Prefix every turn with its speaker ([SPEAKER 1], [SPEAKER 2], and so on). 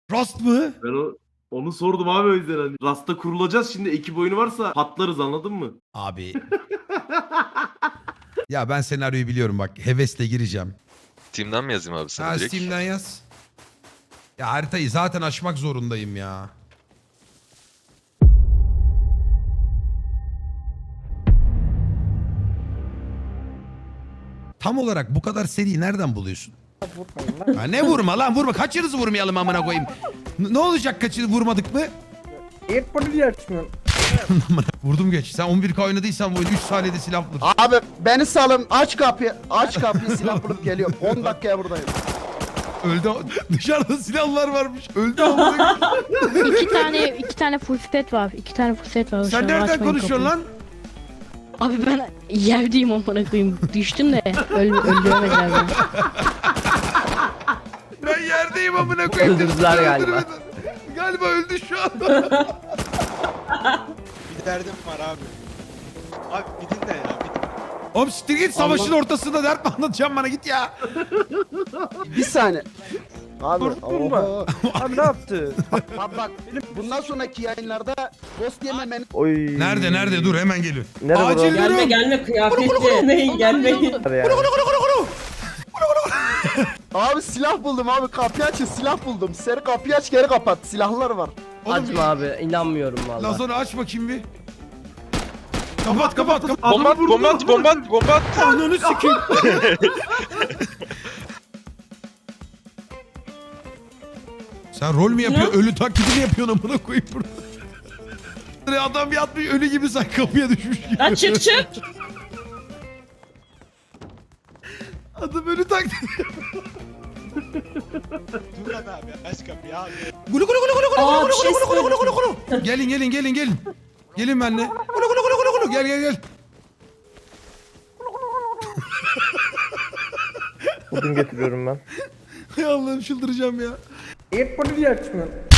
[SPEAKER 1] Rust mı?
[SPEAKER 2] Onu sordum abi o yüzden hani. Rasta kurulacağız şimdi ekip oyunu varsa patlarız anladın mı?
[SPEAKER 1] Abi. Ya ben senaryoyu biliyorum bak. Hevesle gireceğim.
[SPEAKER 3] Steam'den mi yazayım abi sana
[SPEAKER 1] Ha
[SPEAKER 3] direkt?
[SPEAKER 1] Steam'den yaz. Ya haritayı zaten açmak zorundayım ya. Tam olarak bu kadar seriyi nereden buluyorsun? Ha ne vurma lan vurma. Kaçınızı vurmayalım amına koyayım. Ne olacak kaçını vurmadık mı?
[SPEAKER 4] Airport'u diye açmıyorsun.
[SPEAKER 1] Vurdum geç. Sen 11K oynadıysan bu oyun 3 saniyede silah bulur.
[SPEAKER 5] Abi beni salın, aç kapıyı. Aç kapıyı, silah bulup geliyorum. 10 dakikaya buradayım.
[SPEAKER 1] Öldü. Dışarıda silahlar varmış. Öldü amına koyayım.
[SPEAKER 6] iki tane full set var. İki tane full set var.
[SPEAKER 1] Sen
[SPEAKER 6] Şu an
[SPEAKER 1] nereden
[SPEAKER 6] açmayın
[SPEAKER 1] konuşuyorsun
[SPEAKER 6] kapıyı.
[SPEAKER 1] lan?
[SPEAKER 6] Abi ben yerdeyim amına koyayım. Düştüm de öldüremediler beni.
[SPEAKER 1] Ben yerdeyim amına koyayım.
[SPEAKER 4] Öldürdüler galiba.
[SPEAKER 1] Öldürmeden. Galiba öldü şu an.
[SPEAKER 7] Bir derdim var abi. Abi bir dinle ya.
[SPEAKER 1] Oğlum siktir git savaşın ortasında dert mi anlatacağım bana git ya.
[SPEAKER 5] Bir saniye. Abi,
[SPEAKER 4] Durma.
[SPEAKER 5] oho.
[SPEAKER 4] Abi ne yaptı?
[SPEAKER 5] Abi bak, bundan sonraki yayınlarda ghost yememeni...
[SPEAKER 4] Oy.
[SPEAKER 1] Nerede dur hemen geliyor.
[SPEAKER 4] Nerede bu?
[SPEAKER 1] Acil durum.
[SPEAKER 8] Gelme kıyafetli yemeyin gelmeyin.
[SPEAKER 5] Abi silah buldum abi, kapıyı açın, silah buldum. Seri kapıyı aç, geri kapat, silahlar var.
[SPEAKER 1] Oğlum,
[SPEAKER 8] Açma abi inanmıyorum
[SPEAKER 1] lan
[SPEAKER 8] valla.
[SPEAKER 1] sonra aç bakayım bir. Kapat.
[SPEAKER 3] Bomba at, bomba at.
[SPEAKER 1] Ananı sikeyim. Sen rol mü yapıyorsun? Ölü taklidi mi yapıyorsun amına koyayım burada? Adam bir atmış ölü gibi sen kapıya düşmüş gibi.
[SPEAKER 8] Ya çık.
[SPEAKER 1] Adam ölü taklidi.
[SPEAKER 7] Dur lan abi aç kapıyı abi.
[SPEAKER 1] Gulu gulu gulu gulu gulu
[SPEAKER 8] Aa,
[SPEAKER 1] gulu
[SPEAKER 8] bir şey
[SPEAKER 1] gulu gulu gulu gulu gulu. Gelin. Gelin benimle. Gulu gulu gulu gulu gulu. Gel.
[SPEAKER 4] Odun getiriyorum ben.
[SPEAKER 1] Hay Allah'ım çıldıracağım ya.
[SPEAKER 4] Airport'u diye açmıyorsun.